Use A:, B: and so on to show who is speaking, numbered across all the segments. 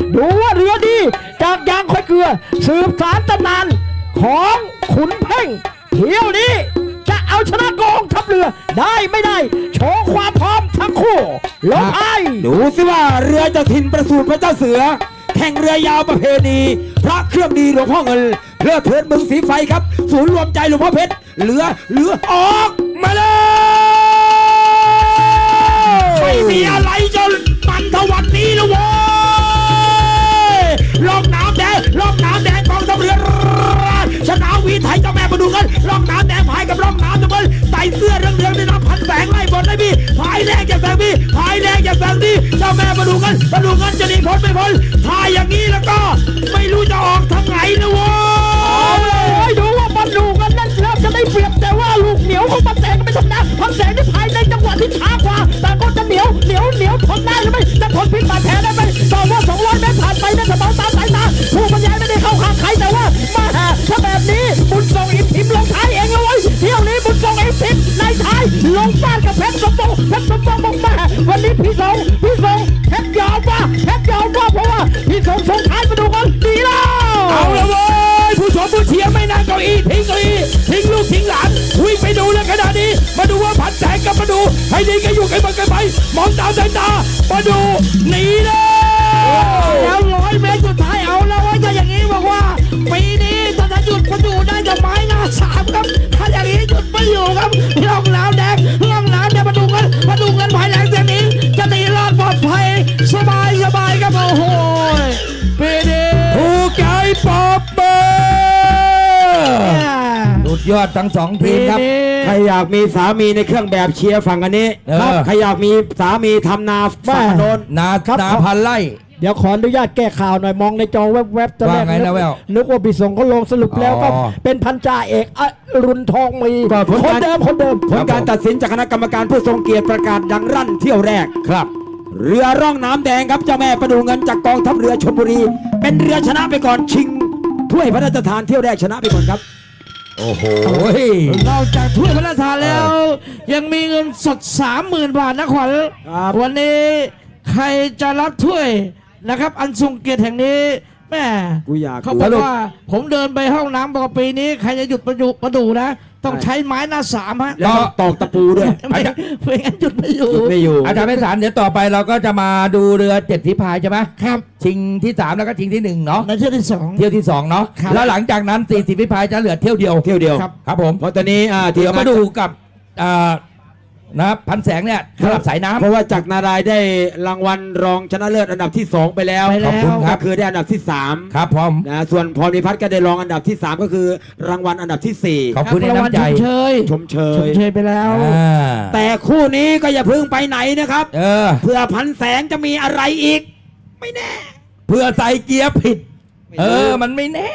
A: ดูว่าเรือดีจากยางค่อยเกลือสืบสารตำนานของขุนเพ่งเที่ยวนี้จะเอาชนะกองทัพเรือได้ไม่ได้โชว์ความพร้อมทั้งคู่ลงไอ
B: ดูสิว่าเรือเจ้าถิ่นประสูติพระเจ้าเสือแข่งเรือยาวประเพณีพระเครื่องดีหลวงพ่อเงินเพื่อเทิดเมืองสีไฟครับศูนย์รวมใจหลวงพ่อเพชรเรือออกมาเลยไม่มีอะไรจนมันทวันนี้แล้วโว้ยล่องน้ำแดงกองทัพเรือชนะวีไทยเจ้าแม่มาดูกันล่องน้ำแดงพายกับล่องน้ำทุกคนใส่เสื้อเรื่องในน้ำพันแสงไล่บอลได้พี่พายแรงอย่าแสงพี่พายแรงอย่าแสงพี่เจ้าแม่มาดูกันจะหนีพ้นไม่พ้นพายอย่างนี้แล้วก็ไม่รู้จะออกทางไหนนะโว้ย
A: ดูว่ามันดูกันนั่นเริ่มจะได้เปรียบแต่ว่าลูกเหนียวของพันแสงก็ไม่ทำนะพันแสงที่พายในจังหวะที่ช้ากว่าแต่ก็จะเหนียวทนได้หรือไม่จะทนพิษบาดแผลได้ไหมต่อว่า200 เมตรผ่านไปในกระเป๋าตามสายตาผู้บรรยายไม่ได้เข้าข้างใครแต่ว่ามาถ้าแบบนี้บุญทรงอิมทิมลงท้ายเองเลยเที่ยวนี้บุญทรงอิมทิมในท้ายลงบ้านกับเพชรสมบูรณ์บอกมาวันนี้พี่ทรงเพชรยาวว่าเพราะว่าพี่ทรงส่งท้ายมาดูกันดีแล้ว
B: เอาละเว้ยผู้ชมผู้เชียร์ไม่นั่งเก้าอี้ทิ้งลูกทิ้งหลานวิ่งไปดูเลยขนาดนี้มาดูว่าพันแสงกับมาดูให้ดีกันอยู่กันมากันไปมองตาสายตามาดูหนี
A: แล้ว100 เมตรสุดท้ายเอาแล้วว่าจะอย่างนี้บอกว่าปีนี้ถ้าจะหยุดมาดูได้จะไม้หน้า3ครับถ้าอย่างนี้หยุดไม่อยู่ครับล่องน้ำแดงมาดูกันภายหลังจากนี้จะตีรอดปลอดภัยสบายครับโอ้โหปีนี้
B: ถูกใจปอบเบอร์สุดยอดทั้ง2 ทีมครับใครอยากมีสามีในเครื่องแบบเชียร์ฝั่งอันนี้ใครอยากมีสามีทำนาฝั่งโน้นนาพันไร่
A: เดี๋ยวขออนุญาตแก้ข่าวหน่อยมองในจอแวบๆตอนแรกนึกว่าพี่ส่งเขาลงสรุปแล้วก็เป็นพันจ่าเอกอรุณทองมีคนเดิม
B: ผลการตัดสินจากคณะกรรมการผู้ทรงเกียรติประกาศดังรั่นเที่ยวแรกครับเรือร่องน้ำแดงครับเจ้าแม่ประดูเงินจากกองทัพเรือชลบุรีเป็นเรือชนะไปก่อนชิงถ้วยพระราชทานเที่ยวแรกชนะไปก่อนครับโอ้โห
A: นอกจากถ้วยพระราชทานแล้วยังมีเงินสด 30,000 บาทนะขวัญวันนี้ใครจะรับถ้วยนะครับอันทรงเกียรติแห่งนี้แม่เขาบอกว่าผมเดินไปห้องน้ำบอกปีนี้ใครจะหยุดประดูนะต้องใช้ไม้หน้า3ฮะ
B: แล้วตอกตะปูด้วย
A: ไม่งั้นหยุดไม่อยู่
B: อาจารย์ไพศาลเดี๋ยวต่อไปเราก็จะมาดูเรือ7 ฝีพายใช่ไหมครับชิงที่3แล้วก็ชิงที่1เนาะ
A: ในเที่ยวที่
B: 2เนาะแล้วหลังจากนั้น40 ฝีพายจะเหลือเที่ยวเดียวครับผมเพราะตอนนี้เดี๋ยวมาดูกับนะครับพันแสงเนี่ยสำหรับสายน้ำเพราะว่าจากนารายได้รางวัลรองชนะเลิศอันดับที่2ไปแล้วขอบคุณครับคือได้อันดับที่3ครับผมนะส่วนพรพิพัฒน์ก็ได้รองอันดับที่3ก็คือรางวัลอันดับที่4ขอบคุณในน้ำใจชมเชย
A: ไปแล้ว
B: แต่คู่นี้ก็อย่าพึ่งไปไหนนะครับเพื่อพันแสงจะมีอะไรอีกไม่แน่เพื่อใส่เกียร์ผิดมันไม่แน่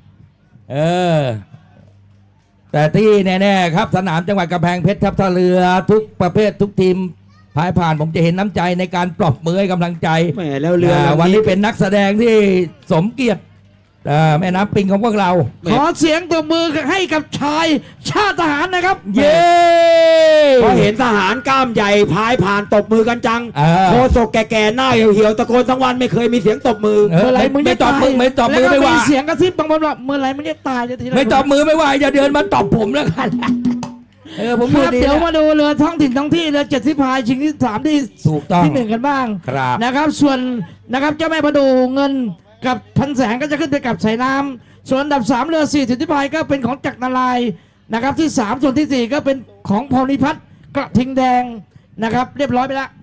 B: แต่ที่แน่ๆครับสนามจังหวัดกำแพงเพชรทัพท่าเรือทุกประเภททุกทีมพายผ่านผมจะเห็นน้ำใจในการปลอบมือให้กำลังใจแม่แล้วเรือวันนี้เป็นนักแสดงที่สมเกียรติแม่น้ำปิงของพวกเรา
A: ขอเสียงตบมือให้กับชายชาติทหารนะครับ
B: เย้พอเห็นทหารกล้ามใหญ่พายผ่านตบมือกันจังโคศกแก่ๆหน้าเหี่ยวๆตะโกนทั้งวันไม่เคยมีเสียงตบมือ
A: เมื่อไรมึงจะตบมือ
B: ไม่ตบมือไม่ว่า
A: เสียงกระซิบบางคนว่าเมื่อไรมึงจะตายจะที
B: ไม่ตบมือไม่ว่าอย่าเดินมาตบผมแล้วกัน
A: ผมเดี๋ยวมาดูเรือท้องถิ่นท้องที่เรือ7 ฝีพายชิงที่3ที่1กันบ้างนะครับส่วนนะครับเจ้าแม่ประดูเงินกับพันแสงก็จะขึ้นไปกับสายน้ำส่วนอันดับ3เรือ4 ฝีพายก็เป็นของจักรนารายณ์นะครับที่3ส่วนที่4ก็เป็นของพรพิพัฒน์กระทิงแดงนะครับเรียบร้อยไปแล้ว